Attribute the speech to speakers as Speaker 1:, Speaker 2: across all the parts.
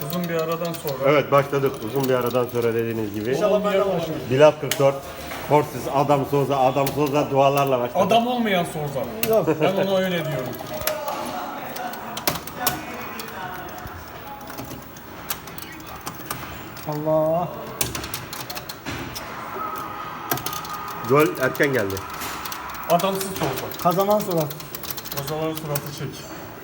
Speaker 1: Uzun bir aradan sonra.
Speaker 2: Evet başladık. Uzun bir aradan sonra dediğiniz gibi.
Speaker 3: İnşallah ben de başlarım.
Speaker 2: Bilal 44. Forces Adam Souza dualarla başladı.
Speaker 1: Adam olmayan Souza.
Speaker 3: Yok.
Speaker 1: Ben ona öyle diyorum.
Speaker 3: Allah.
Speaker 2: Gol erken geldi.
Speaker 1: Adamsız Souza.
Speaker 3: Kazanan surat.
Speaker 1: O zaman suratı çek.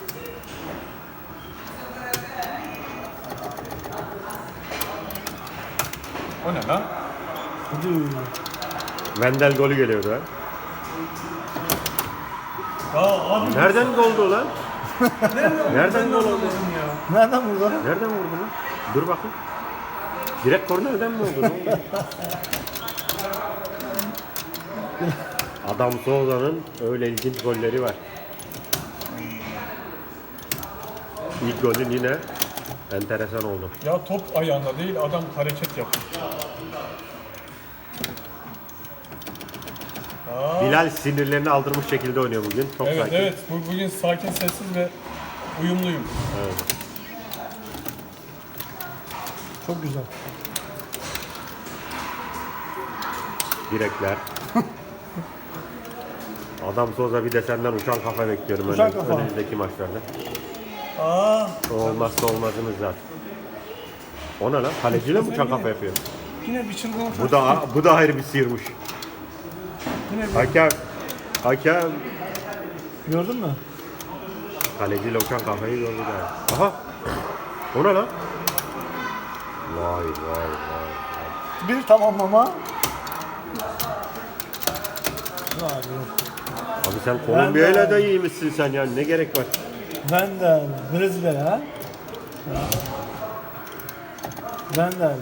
Speaker 1: O ne lan?
Speaker 3: Hadi.
Speaker 2: Wendel golü geliyordu ha.
Speaker 1: Ya abi
Speaker 2: Nereden goldu lan? Nereden gol oldu?
Speaker 1: ya.
Speaker 3: Nereden vurdu?
Speaker 2: Nereden vurdu lan? Dur bakayım. Direkt kornerden mi oldu? Ne oldu? Adam Souza'nın öyle ilginç golleri var. İlk golün yine enteresan oldu.
Speaker 1: Ya top ayağında değil, adam hareket yapıyor.
Speaker 2: Bilal sinirlerini aldırmış şekilde oynuyor bugün. Çok
Speaker 1: Evet
Speaker 2: sakin.
Speaker 1: evet, bugün sakin, sessiz ve uyumluyum.
Speaker 2: Evet.
Speaker 3: Çok güzel.
Speaker 2: Direkler. Adam Souza bir de senden uçan kafa bekliyorum
Speaker 3: Uçan kafa.
Speaker 2: önümüzdeki maçlarda.
Speaker 1: Aa,
Speaker 2: O olmazsa olmazımız zaten. O ne lan? Kaleciyle mi uçan kafa yapıyor?
Speaker 1: yine bir çılgınlık.
Speaker 2: Bu da ayrı bir sıyırmış.
Speaker 1: Yine bir...
Speaker 2: Hakem
Speaker 3: Gördün mü?
Speaker 2: kaleciyle uçan kafayı gördü da. Aha. O ne lan? Vay vay vay.
Speaker 3: Bir tamamlama. Vay be.
Speaker 2: Abi sen Kolombiya'yla da iyiymişsin sen yani ne gerek var?
Speaker 3: Wendel. Brezilya ha. Wendel.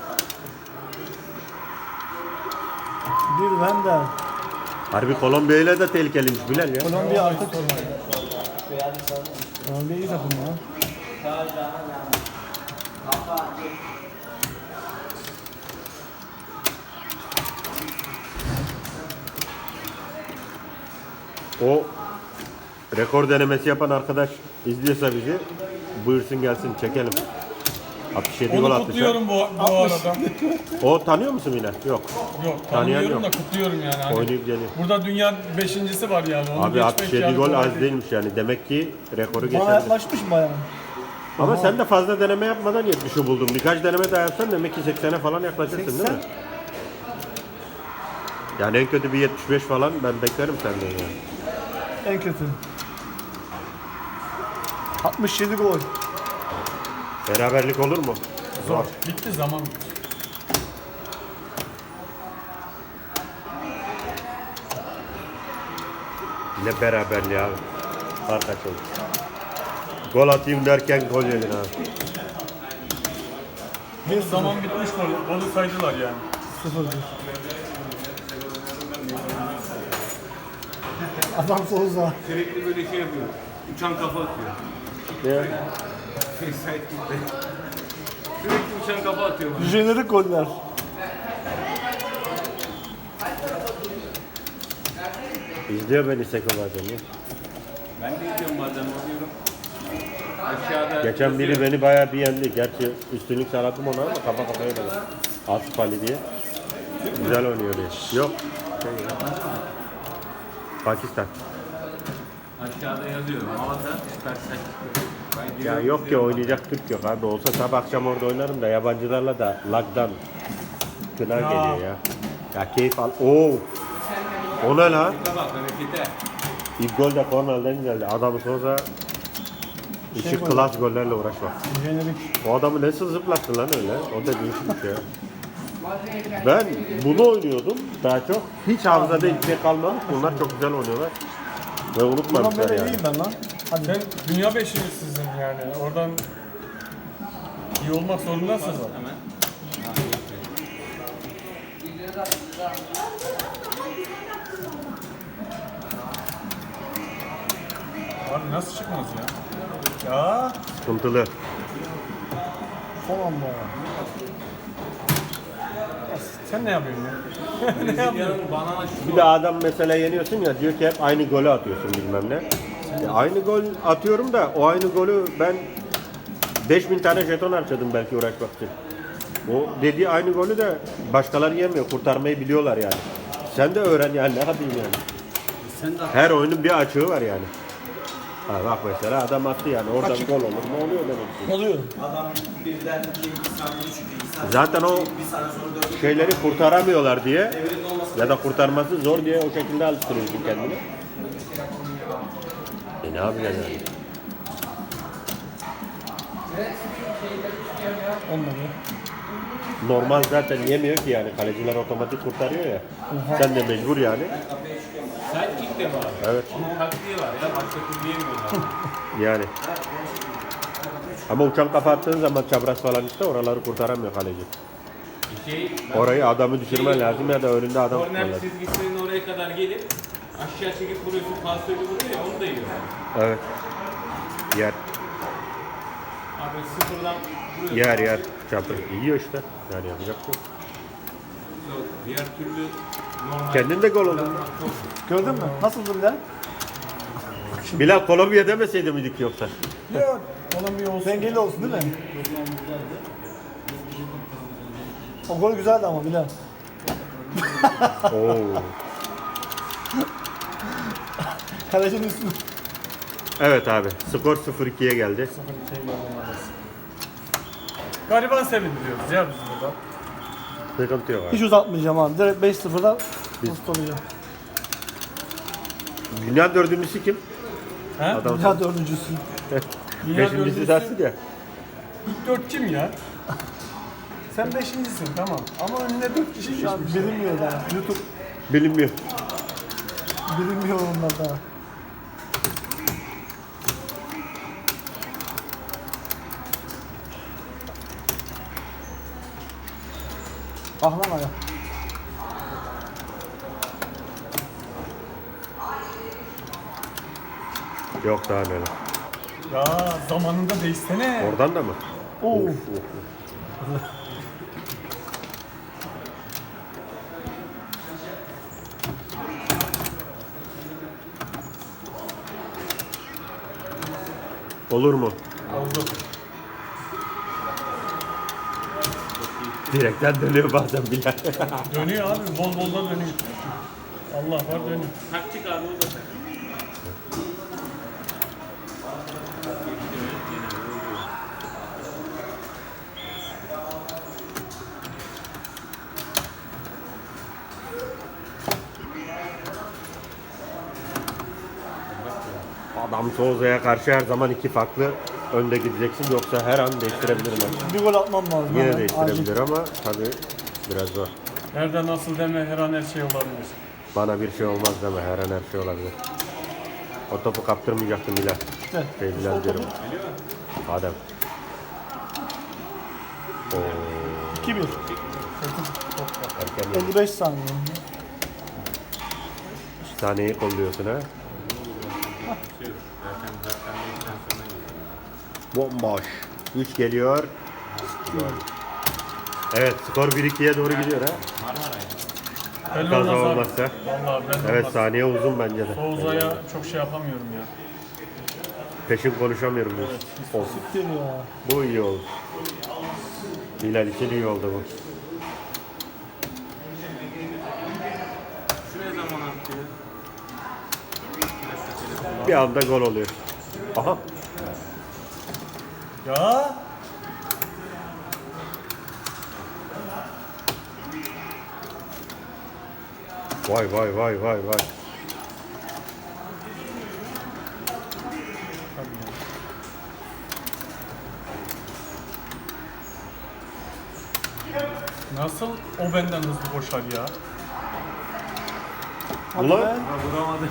Speaker 3: Bir Wendel.
Speaker 2: Harbi Kolombiya'yla da tehlikeliymiş Bilal ya.
Speaker 3: Kolombiya artık. Kolombiya iyi takım ya.
Speaker 2: O rekor denemesi yapan arkadaş izliyorsa bizi buyursun gelsin çekelim. 67 gol
Speaker 1: Onu
Speaker 2: atmış.
Speaker 1: kutluyorum bu arada.
Speaker 2: O tanıyor musun yine? Yok.
Speaker 1: Yok,
Speaker 2: Tanıyan
Speaker 1: tanımıyorum
Speaker 2: yok.
Speaker 1: da kutluyorum yani. Hani
Speaker 2: Oynayıp geliyor.
Speaker 1: burada dünya 5.'si var yani. Onu
Speaker 2: Abi
Speaker 1: geçmek
Speaker 2: 67
Speaker 1: yani
Speaker 2: gol
Speaker 1: kolay
Speaker 2: az
Speaker 1: değil.
Speaker 2: değilmiş yani. Demek ki rekoru
Speaker 3: Bana
Speaker 2: geçerli.
Speaker 3: yaklaşmış bayağı.
Speaker 2: Ama sen de fazla deneme yapmadan 70'i buldun. Birkaç deneme daha yapsan demek ki 80'e falan yaklaşırsın değil mi?
Speaker 3: 80.
Speaker 2: Yani en kötü bir 75 falan ben beklerim senden yani.
Speaker 3: En kötü. 67 gol.
Speaker 2: Beraberlik olur mu?
Speaker 1: Zor. Bitti zaman bitti.
Speaker 2: Ne beraberliği abi. Fark kaç oldu. Gol atayım derken gol yedin abi.
Speaker 1: Bir zaman bitmiş gol. Golü saydılar yani.
Speaker 3: 0-1. Adam Souza.
Speaker 4: Sürekli böyle şey yapıyor. Uçan kafa atıyor.
Speaker 2: Ne?
Speaker 4: Sait gitti. Sürekli uçan kafa atıyor bana.
Speaker 3: Jenerik goller.
Speaker 2: İzliyor beni Seko bazen ya.
Speaker 4: Ben de izliyorum bazen bakıyorum. Aşağıda
Speaker 2: Geçen biri beni bayağı bir yendi. Gerçi üstünlük sağladım ona ama kafa kafaya da. Asif Ali diye. Güzel oynuyor diye. Yok. Pakistan.
Speaker 4: aşağıda yazıyorum. Havada süper ben
Speaker 2: Ya yok ki oynayacak Türk yok abi. Olsa sabah akşam orada oynarım da yabancılarla da lagdan kına geliyor ya. Ya keyif al. Oo. O ne lan?
Speaker 4: bak harekete.
Speaker 2: İlk gol de Cornell'den geldi. Adam Souza işi klas gollerle uğraşmak.
Speaker 3: Jenerik.
Speaker 2: O adamı nasıl zıplattı lan öyle? O da değişik bir şey. Ben bunu oynuyordum daha çok. Hiç hafızada hiçbir şey kalmamış. Bunlar çok güzel oynuyorlar. Ve
Speaker 3: Ulan
Speaker 2: unutmamışlar
Speaker 3: böyle
Speaker 2: yani.
Speaker 3: iyiyim ben lan. Hadi.
Speaker 1: Sen dünya 5.'lisizin yani. Oradan iyi olmak zorundasın. Abi nasıl çıkmaz ya? Ya
Speaker 2: Sıkıntılı.
Speaker 3: Son anda.
Speaker 1: sen ne yapıyorsun ya?
Speaker 4: Brezilya'nın banana
Speaker 2: Bir
Speaker 4: şutu.
Speaker 2: de adam mesela yeniyorsun ya diyor ki hep aynı golü atıyorsun bilmem ne. Aynı gol atıyorum da o aynı golü ben 5000 tane jeton harcadım belki uğraşmak için. O dediği aynı golü de başkaları yemiyor. Kurtarmayı biliyorlar yani. Sen de öğren yani, ne yapayım yani. Her oyunun bir açığı var yani. Ha bak mesela adam attı yani, oradan gol olur mu, oluyor demek ki.
Speaker 3: Oluyor.
Speaker 5: Adam birden 2 saniye düşürüyor. 2 saniye
Speaker 2: Zaten o
Speaker 5: bir saniye sonra 4
Speaker 2: şeyleri kurtaramıyorlar diye
Speaker 5: devrin olması
Speaker 2: ya da kurtarması zor diye o şekilde alıştırıyorsun kendini. Ne yapacaksın yani?
Speaker 3: Olmadı.
Speaker 2: Normal zaten yemiyor ki yani, kaleciler otomatik kurtarıyor ya. Sen de mecbur yani.
Speaker 4: Sidekick de var.
Speaker 2: Evet.
Speaker 4: Onun taktiği var ya. Başka türlü yemiyorlar.
Speaker 2: Yani. Ama uçan kafa attığın zaman çapraz falan işte oraları kurtaramıyor kaleci. Orayı adamı düşürmen lazım ya da önünde adam tutman
Speaker 4: Korner
Speaker 2: lazım.
Speaker 4: çizgisinin oraya kadar gelip aşağı çekip vuruyorsun, pasörü vuruyor ya, onu da yiyor.
Speaker 2: Evet. Yer.
Speaker 4: Abi sıfırdan vuruyorsun.
Speaker 2: Yer. Çapraz. Yiyor işte. Yani yapacak bir şey yok.
Speaker 4: Yok, diğer türlü normal.
Speaker 2: Kendin de gol oldun.
Speaker 4: Çok
Speaker 3: Gördün mü? Nasıldı Bilal?
Speaker 2: Bilal Kolombiya demeseydi miydik yoksa?
Speaker 3: Yok. Onun bir olsun. Dengeli olsun değil mi? O gol güzeldi ama Bilal.
Speaker 2: Oo.
Speaker 3: Kalecinin üstüne.
Speaker 2: Evet abi. Skor 0-2'ye geldi.
Speaker 1: Gariban sevindiriyoruz ya biz burada.
Speaker 2: Sıkıntı yok abi.
Speaker 3: Hiç uzatmayacağım abi. Direkt 5-0'da ustalayacağım.
Speaker 2: Dünya dördüncüsü kim?
Speaker 1: He?
Speaker 2: Adam
Speaker 3: Dünya dördüncüsü.
Speaker 1: Dünya
Speaker 2: beşincisi
Speaker 1: dördüncüsü.
Speaker 2: dersin ya.
Speaker 1: İlk 4 kim ya? Sen 5.'sin tamam. Ama önüne 4 kişi
Speaker 3: Şu an
Speaker 1: geçmiş.
Speaker 3: bilinmiyor daha. YouTube
Speaker 2: Bilinmiyor.
Speaker 3: bilinmiyor onlar daha. Ah lan aga.
Speaker 2: Yok daha neler.
Speaker 1: Ya zamanında değişsene.
Speaker 2: Oradan da mı?
Speaker 3: Oo.
Speaker 2: Olur mu?
Speaker 1: Oldu.
Speaker 2: Direkten dönüyor bazen Bilal.
Speaker 1: Dönüyor abi. Bol bol da dönüyor. Allah var dönüyor.
Speaker 4: taktik abi, o da.
Speaker 2: Adam Souza'ya karşı her zaman iki farklı önde gideceksin, yoksa her an değiştirebilir maçı.
Speaker 3: Bir gol atmam lazım.
Speaker 2: Yine
Speaker 3: hemen,
Speaker 2: değiştirebilir
Speaker 3: acil.
Speaker 2: ama tabii biraz zor.
Speaker 1: Nerede nasıl deme her an her şey olabilir.
Speaker 2: Bana bir şey olmaz deme, her an her şey olabilir. O topu kaptırmayacaktım Bilal.
Speaker 3: İşte.
Speaker 2: Bilal diyorum. Adem. Oo,
Speaker 3: 2-1.
Speaker 2: erken
Speaker 3: 55 saniye.
Speaker 2: saniyeyi kolluyorsun ha. Bomboş. 3 geliyor. Evet, skor 1-2'ye doğru gidiyor ha.
Speaker 1: Belli
Speaker 2: Kaza
Speaker 1: olmaz abi.
Speaker 2: olmazsa.
Speaker 1: Vallahi belli
Speaker 2: Evet,
Speaker 1: olmaz.
Speaker 2: saniye uzun bence de.
Speaker 1: Souza'ya çok şey yapamıyorum ya.
Speaker 2: Peşin konuşamıyorum diyor. Olsun.
Speaker 3: Siktir ya.
Speaker 2: Bu iyi oldu. Bilal için iyi oldu bu.
Speaker 4: Şu ne zaman attı ya?
Speaker 2: Bir anda gol oluyor. Aha.
Speaker 1: Ya
Speaker 2: Vay vay vay vay vay.
Speaker 1: nasıl o benden hızlı koşar ya?
Speaker 2: Ulan
Speaker 4: Ha, vuramadı.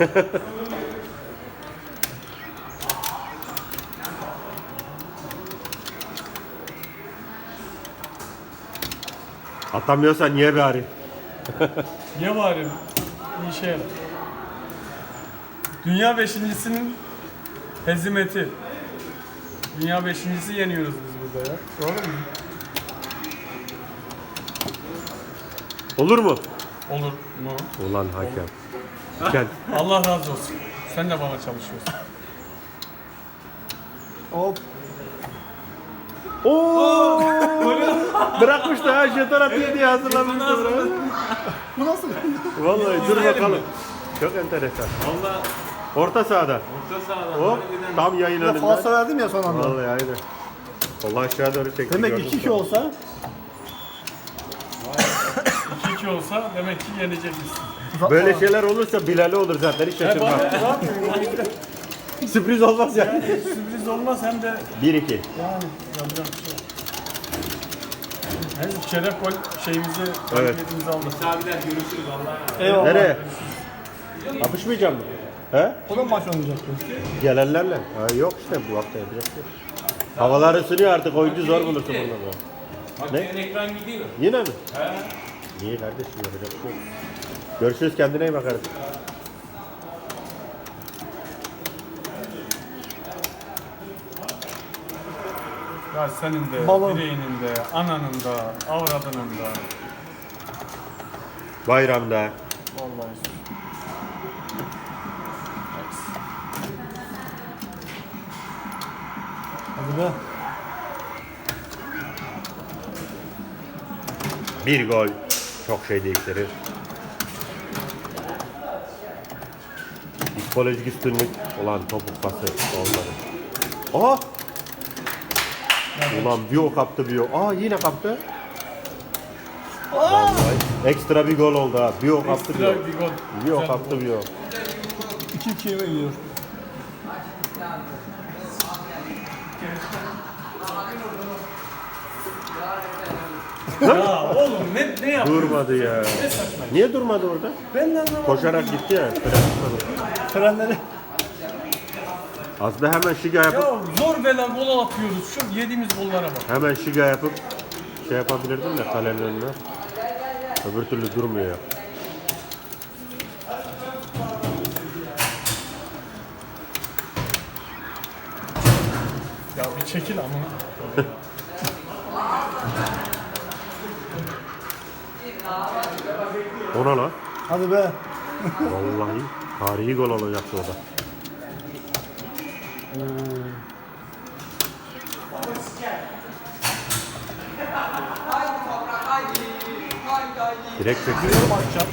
Speaker 2: atamıyorsan niye bari?
Speaker 1: Niye bari? Bir işe yarar. Dünya beşincisinin hezimeti. Dünya beşincisi yeniyoruz biz burada ya. Doğru mu?
Speaker 2: Olur mu?
Speaker 1: Olur mu?
Speaker 2: Ulan hakem. Gel.
Speaker 1: Allah razı olsun. Sen de bana çalışıyorsun.
Speaker 3: Hop.
Speaker 2: Oo! Bırakmış da ha jeton atıyor diye hazırlamış.
Speaker 3: Bu nasıl?
Speaker 2: Vallahi dur bakalım. Çok enteresan.
Speaker 4: Valla
Speaker 2: Orta sahada.
Speaker 4: orta sahadan.
Speaker 2: Hop
Speaker 4: harbiden
Speaker 2: tam yayın
Speaker 3: Ya falso
Speaker 2: önünde.
Speaker 3: verdim ya son anda.
Speaker 2: Vallahi aynen. Vallahi aşağı doğru çekti.
Speaker 3: Demek
Speaker 2: gördüm
Speaker 3: 2-2
Speaker 2: sonra.
Speaker 3: olsa
Speaker 1: 2-2 olsa demek ki yenecekmişsin.
Speaker 2: Böyle şeyler olursa Bilal'e olur zaten hiç şaşırmam. Sürpriz olmaz yani.
Speaker 1: Sürpriz olmaz hem de
Speaker 2: 1-2.
Speaker 1: yani yapacak bir şey yok. Hem çeyrek gol şeyimizi, galibiyetimizi aldık.
Speaker 4: abiler görüşürüz Allah'a.
Speaker 3: eyvallah.
Speaker 2: Nereye? Kapışmayacağım mı? He?
Speaker 3: O da maç oynayacaktı.
Speaker 2: Gelenlerle. Ha, yok işte bu hafta yapacak bir şey yok. Havalar ısınıyor artık oyuncu zor bulursun burada.
Speaker 4: Bak
Speaker 2: Ne?
Speaker 4: senin ekran gidiyor.
Speaker 2: Yine mi? Niye kardeşim yapacak bir şey yok. Görüşürüz kendine iyi bak artık.
Speaker 1: Ya senin de,
Speaker 3: Balon.
Speaker 1: direğinin de, ananın da, avradının da.
Speaker 2: Bayramda.
Speaker 1: Vallahi.
Speaker 3: Hadi be.
Speaker 2: Bir gol çok şey değiştirir. Psikolojik üstünlük olan topuk pası olmadı. Aha! Ulan bir o kaptı bir o. Aa yine kaptı. Vallahi ekstra bir gol oldu ha. Bir o kaptı bir o.
Speaker 1: Ekstra bir gol.
Speaker 2: Bir o
Speaker 1: Güzel
Speaker 2: kaptı bir o.
Speaker 3: 2-2'ye mi gidiyor?
Speaker 1: Ya oğlum ne yapıyorsun?
Speaker 2: Durmadı ya. Niye durmadı orada?
Speaker 1: Ben de anlamadım.
Speaker 2: Koşarak gitti ya.
Speaker 3: Frenleri.
Speaker 2: Aslında hemen şiga yapıp
Speaker 1: Ya zor bela gol atıyoruz. Şu yediğimiz gollara bak.
Speaker 2: hemen şiga yapıp şey yapabilirdim de kalenin önüne. Öbür türlü durmuyor ya.
Speaker 1: Ya bir çekil amına.
Speaker 2: Ona lan.
Speaker 3: Hadi be.
Speaker 2: Vallahi tarihi gol olacaktı o da. Direkt çekiyor.
Speaker 3: Maçacak.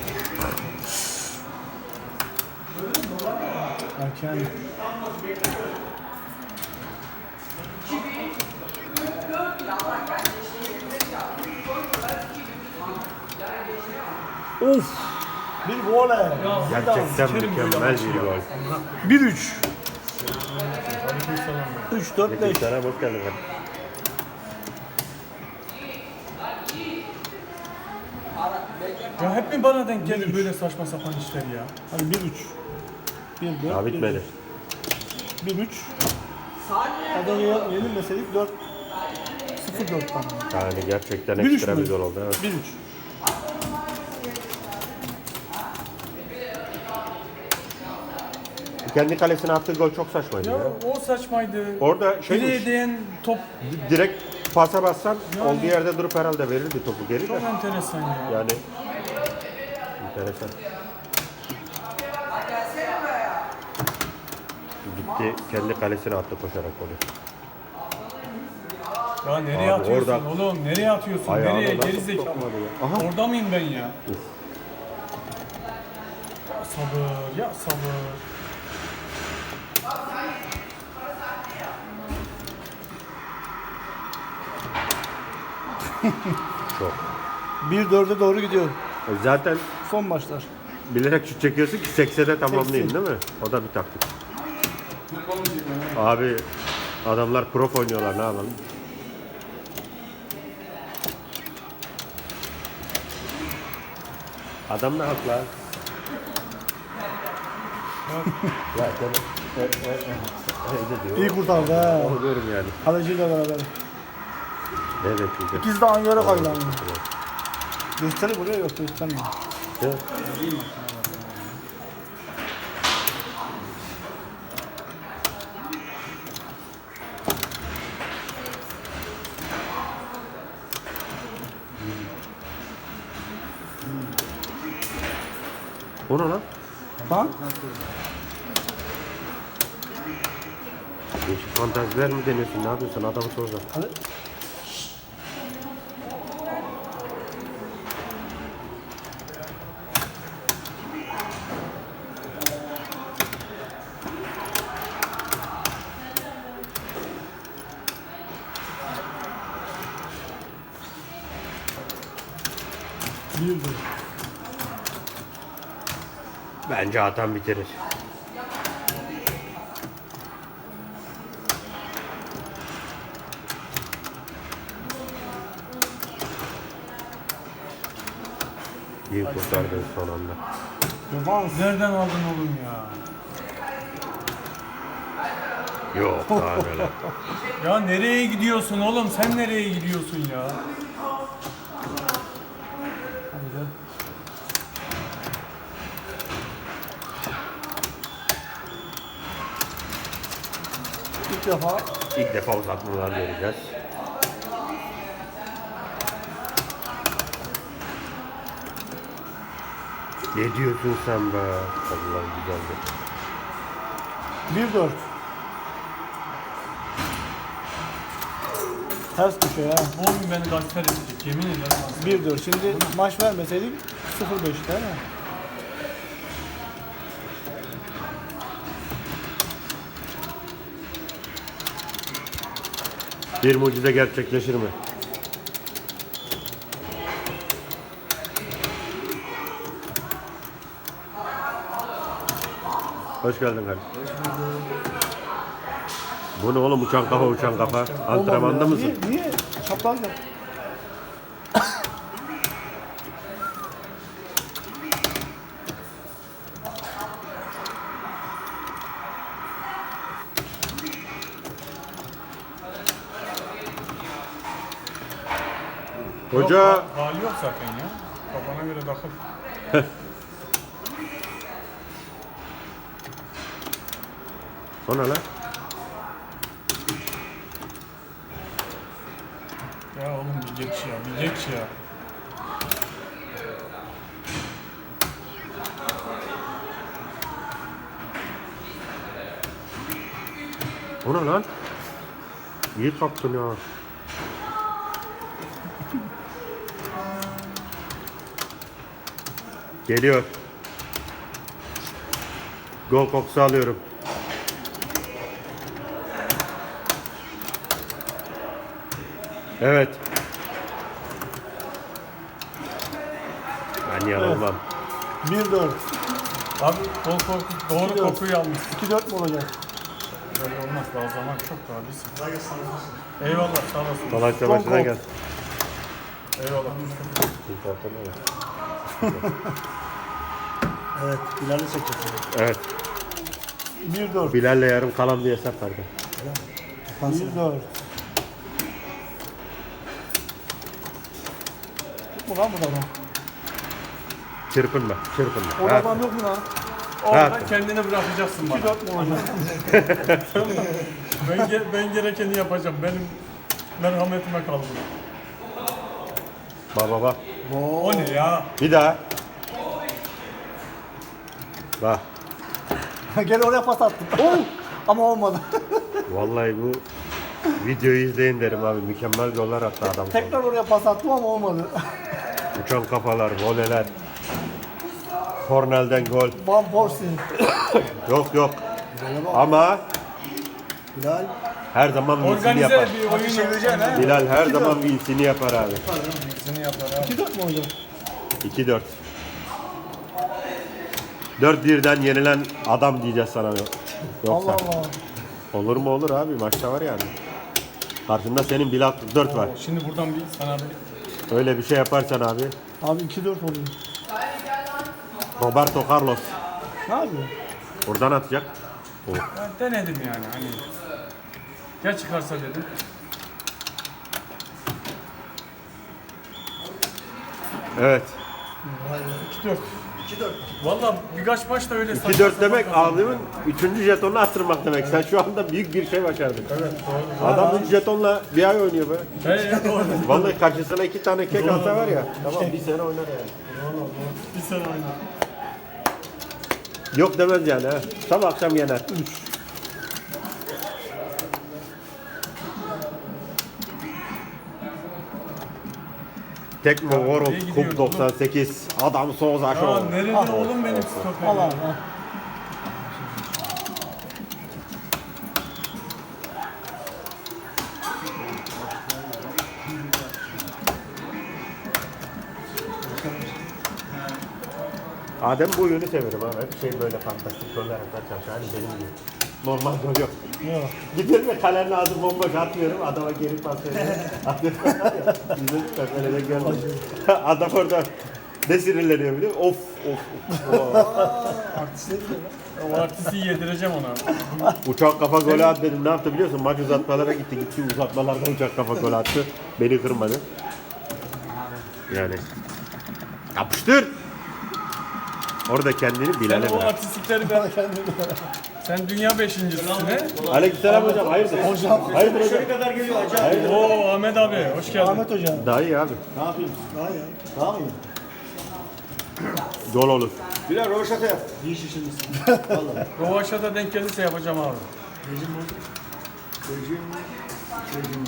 Speaker 3: Erken. Of. Bir voley.
Speaker 2: Gerçekten mükemmel bir gol.
Speaker 3: 1-3.
Speaker 1: Aleykümselam.
Speaker 3: 3-4-5.
Speaker 2: Sana hoş geldin.
Speaker 1: Ya hep mi bana denk gelir böyle saçma sapan işler ya?
Speaker 3: Hadi 1-3. 1-4.
Speaker 2: Daha bitmedi.
Speaker 3: 1-3. Adana'ya yenilmeseydik 4 0-4 tamam.
Speaker 2: Yani gerçekten
Speaker 3: 1-3
Speaker 2: ekstra
Speaker 3: mü?
Speaker 2: bir gol oldu. Evet.
Speaker 3: 1-3.
Speaker 2: Kendi kalesine attığı gol çok saçmaydı
Speaker 1: Ya
Speaker 2: ya.
Speaker 1: o saçmaydı.
Speaker 2: Orada
Speaker 1: Fileye
Speaker 2: şeymiş,
Speaker 1: değen top
Speaker 2: direkt pasa bassan olduğu yerde durup herhalde verirdi topu geri de.
Speaker 1: çok enteresan ya.
Speaker 2: Yani enteresan. Gitti kendi kalesine attı koşarak golü.
Speaker 1: Ya nereye
Speaker 2: Abi
Speaker 1: atıyorsun
Speaker 2: orada-
Speaker 1: oğlum? Nereye atıyorsun?
Speaker 2: Ayağına
Speaker 1: Nereye?
Speaker 2: nasıl
Speaker 1: Geri zekalı.
Speaker 2: sokmadı ya? Aha.
Speaker 1: Orada mıyım ben ya? Ya sabır, ya sabır.
Speaker 2: Çok.
Speaker 3: 1-4'e doğru gidiyor.
Speaker 2: Zaten
Speaker 3: Son maçlar.
Speaker 2: bilerek şut çekiyorsun ki 80'e tamamlayayım değil mi? O da bir taktik. Abi adamlar prof oynuyorlar ne yapalım? Adam ne haklı abi? Ya sen ne diyor?
Speaker 3: İyi kurtardı ha.
Speaker 2: Onu diyorum yani.
Speaker 3: Kaleciyle beraber.
Speaker 2: Ne bekleyeceğim?
Speaker 3: İkisi de aynı yere kaydı ama. Gösteri buraya yok göstermiyor.
Speaker 2: Evet. O ne lan?
Speaker 3: Ha?
Speaker 2: Değişik fantaziler mi deniyorsun? Ne yapıyorsun? Adamı soracağım.
Speaker 3: Hadi. 1-1.
Speaker 2: Bence atan bitirir. İyi kurtardın son anda.
Speaker 3: Defans.
Speaker 1: Nereden aldın oğlum ya?
Speaker 2: Yok daha neler.
Speaker 1: Ya nereye gidiyorsun oğlum? Sen nereye gidiyorsun ya?
Speaker 3: İlk defa.
Speaker 2: İlk defa uzatmalar göreceğiz. Ne diyorsun sen be? Allah'ım güzeldi.
Speaker 3: 1-4. Ters köşe ya.
Speaker 1: Bu oyun beni gasper edecek. Yemin ederim.
Speaker 3: 1-4. Şimdi maç vermeseydik 0-5 değil mi?
Speaker 2: Bir mucize gerçekleşir mi? Hoş geldin kardeşim. Bu ne oğlum uçan kafa uçan kafa? Antrenmanda
Speaker 3: Olmadı ya.
Speaker 2: mısın?
Speaker 3: Niye? Çapraz yap.
Speaker 2: Hoca
Speaker 1: Yok, hali yok zaten ya. Kafana göre takıl.
Speaker 2: o ne lan?
Speaker 1: Ya oğlum bir geç ya, bir geç ya.
Speaker 2: O ne lan? İyi kaptın ya. Geliyor. Gol kokusu alıyorum. Evet. Ben yanılmam.
Speaker 3: 1-4.
Speaker 1: Abi doğru
Speaker 3: Gidiyor.
Speaker 1: kokuyu almış.
Speaker 3: 2-4 mu olacak?
Speaker 1: Böyle olmaz, daha zaman çok daha biz. Eyvallah, sağ olasın.
Speaker 2: Malatya
Speaker 3: Son
Speaker 2: başına
Speaker 3: gol.
Speaker 2: gel.
Speaker 1: Eyvallah.
Speaker 3: Evet. Bilal'i çekeceğiz.
Speaker 2: Evet.
Speaker 3: 1-4.
Speaker 2: Bilal'le yarım kalan bir hesap vardı.
Speaker 3: 1-4. Tutma lan bu adam.
Speaker 2: Çırpınma, çırpınma.
Speaker 3: O
Speaker 2: Rahat.
Speaker 3: adam yok mu lan?
Speaker 1: Orada
Speaker 2: Evet.
Speaker 1: kendini bırakacaksın bana.
Speaker 3: 2-4 mu olacak?
Speaker 1: Ben gerekeni yapacağım. Benim merhametime kaldı.
Speaker 2: Bak bak.
Speaker 1: O ne ya?
Speaker 2: Bir daha. Bak.
Speaker 3: Gel oraya pas attım. Ama olmadı.
Speaker 2: Vallahi bu videoyu izleyin derim abi. Mükemmel goller attı adam.
Speaker 3: Tekrar oraya pas attım ama olmadı.
Speaker 2: Uçan kafalar, voleler. Kornel'den gol.
Speaker 3: Van Persie.
Speaker 2: Yok yok. Ama
Speaker 3: Bilal.
Speaker 2: her zaman vinsini
Speaker 1: Organize
Speaker 2: yapar.
Speaker 1: bir oyun
Speaker 3: Çevireceksin ha.
Speaker 2: Bilal her zaman vinsini yapar abi.
Speaker 1: yapar abi.
Speaker 3: 2-4 mu olacak?
Speaker 2: 2-4. 4-1'den yenilen adam diyeceğiz sana. Yoksa.
Speaker 3: Allah Allah.
Speaker 2: Olur mu olur abi, maçta var yani. Karşında senin Bilal 44 var.
Speaker 1: Şimdi buradan bir sana bir
Speaker 2: Öyle bir şey yaparsan abi.
Speaker 3: Abi 2-4 oluyor.
Speaker 2: Roberto Carlos
Speaker 3: Ne yapıyor?
Speaker 2: buradan atacak. Oh.
Speaker 1: ben denedim yani hani. Ya çıkarsa dedim.
Speaker 2: Evet.
Speaker 1: 2-4. 2-4. Valla birkaç maçta öyle
Speaker 2: 2-4 demek abimin 3. jetonunu attırmak demek. Sen şu anda büyük bir şey başardın.
Speaker 1: Evet doğru.
Speaker 2: Adam 3 jetonla bir ay oynuyor be.
Speaker 1: He doğru.
Speaker 2: Vallahi karşısına 2 tane kek alsa var ya. Tamam bir sene oynar yani.
Speaker 1: Bir sene oynadım.
Speaker 2: Yok demez yani ha. Sabah akşam yener. Tekmo
Speaker 1: iyi
Speaker 2: World
Speaker 1: gidiyoruz
Speaker 2: Cup 98. Adam Souza
Speaker 1: Ya
Speaker 2: Show.
Speaker 1: nerede oğlum benim stoperim?
Speaker 3: Allah Allah.
Speaker 2: Adem bu oyunu severim abi. Hep şey böyle fantastik goller atar çalışıyor. Hani benim gibi. Normal gol yok.
Speaker 3: Yok.
Speaker 2: Gidiyorum ve kalenin ağzı bomboş atmıyorum. Adama geri pas veriyorum. Atıyorum var ya. Bizim kalede görmedim. Adam orada ne sinirleniyor biliyor musun? Of of.
Speaker 3: Artist ne diyor lan?
Speaker 1: O artisti yedireceğim ona.
Speaker 2: Uçak kafa golü at dedim. Ne yaptı biliyor musun? Maç uzatmalara gitti. Gitti uzatmalarda uçak kafa golü attı. Beni kırmadı. Yani. Yapıştır. Orada kendini
Speaker 1: Sen
Speaker 2: Bilal'e
Speaker 1: o
Speaker 2: bırak.
Speaker 1: artistlikleri ben... Sen dünya beşincisisin he?
Speaker 2: Aleykümselam hocam. Hayırdır?
Speaker 3: Hocam.
Speaker 2: Hayırdır hocam?
Speaker 3: kadar geliyor acayip.
Speaker 1: Oo Ahmet abi hoş geldin.
Speaker 3: Ahmet hocam.
Speaker 2: Daha iyi abi.
Speaker 3: Ne yapayım? Daha iyi. Daha mı?
Speaker 2: Gol olur.
Speaker 3: Bilal roşata yap. İyi şişirmişsin. Vallahi.
Speaker 1: Rovaşa'da denk gelirse yapacağım abi.
Speaker 3: Rejim bozuk. Rejim. Rejim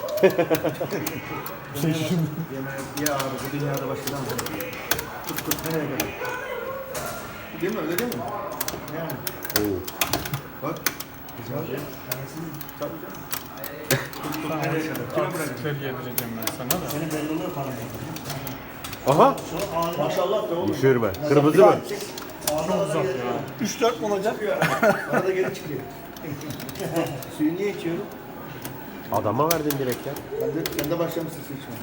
Speaker 3: ya. Ya abi bu dünyada başlayan tut tut nereye kadar? Değil mi öyle değil mi? Yani.
Speaker 2: Oo.
Speaker 3: Bak. Güzel. Tabii canım. Nereye kadar?
Speaker 1: Artistlikleri yedireceğim ben sana da.
Speaker 3: Senin bellonları falan.
Speaker 2: Aha.
Speaker 3: Maşallah be oğlum.
Speaker 2: Düşürme. Kırmızı mı?
Speaker 1: Çok uzak ya.
Speaker 3: 3-4 mu olacak? Arada geri çıkıyor. Suyu niye içiyorum?
Speaker 2: Adama verdin direkt ya.
Speaker 3: Sen de başlamışsın su içmeye.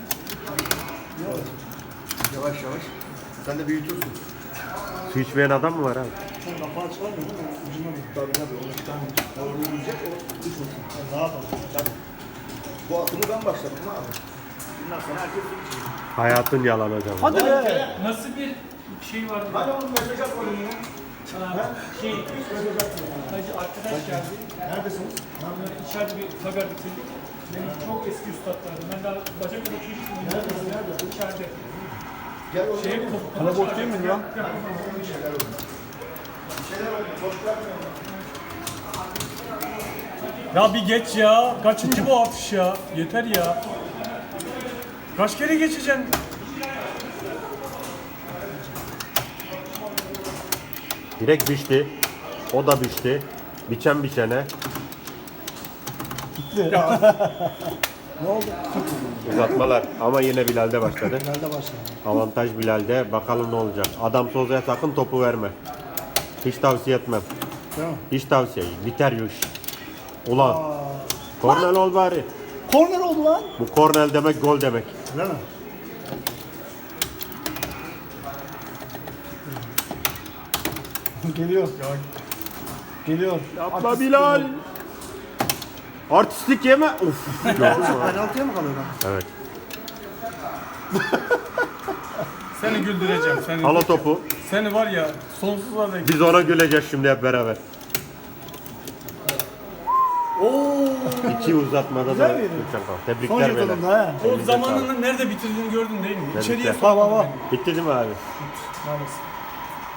Speaker 3: Yavaş yavaş. Sen de büyütürsün.
Speaker 2: Su içmeyen adam mı var abi?
Speaker 3: Sen kapağı çıkarmıyor değil mi? Ucuna mı? Tabii tabii. Onu çıkarmıyor. Orada yiyecek o düşmesin. Daha fazla. Tabii. Bu atımı ben başladım abi. Bundan sonra herkes su içecek.
Speaker 2: Hayatın yalan hocam.
Speaker 3: Hadi be.
Speaker 1: Nasıl bir şey var?
Speaker 3: Hadi oğlum mesaj at bana ya.
Speaker 1: Şey, hacı arkadaş geldi.
Speaker 3: Neredesiniz?
Speaker 1: İçeride bir haber bitirdik. Benim çok eski üstadlarım. Ben daha Bacaklı'da çocuktum. Nerede? İçeride.
Speaker 3: Gel oğlum.
Speaker 1: Şey,
Speaker 3: Kalabalık değil mi lan?
Speaker 1: Ya bir geç ya. Kaçıncı bu atış ya? Yeter ya. Kaç kere geçeceksin?
Speaker 2: Direkt biçti. O da biçti. Biçen biçene.
Speaker 3: Ne oldu?
Speaker 2: Uzatmalar. Ama yine Bilal'de başladı.
Speaker 3: Nerede başladı?
Speaker 2: Avantaj Bilal'de. Bakalım ne olacak. Adam Soza'ya sakın topu verme. Hiç tavsiye etmem.
Speaker 3: Değil mi?
Speaker 2: Hiç tavsiye. Biter bu iş. Ulan. Kornel ol bari.
Speaker 3: Korner oldu lan.
Speaker 2: Bu kornel demek gol demek.
Speaker 3: Değil mi? Geliyor. Geliyor.
Speaker 2: Yapma Bilal. Artistlik yeme. Uf.
Speaker 3: Penaltıya mı kalıyor lan?
Speaker 2: Evet.
Speaker 1: Seni güldüreceğim.
Speaker 2: Hala topu.
Speaker 1: Seni var ya sonsuza dek.
Speaker 2: Biz ona güleceğiz şimdi hep beraber. İki uzatmada da
Speaker 3: Güzel miydi?
Speaker 2: Türkçen kaldı.
Speaker 3: Son
Speaker 2: Tebrikler beyler.
Speaker 3: jetonunda ha.
Speaker 1: O zamanını nerede bitirdiğini gördün değil mi? İçeriye
Speaker 2: Tebrikler.
Speaker 1: sokmadın
Speaker 3: Baba baba.
Speaker 1: beni.
Speaker 2: Bitti değil mi abi?
Speaker 1: Maalesef.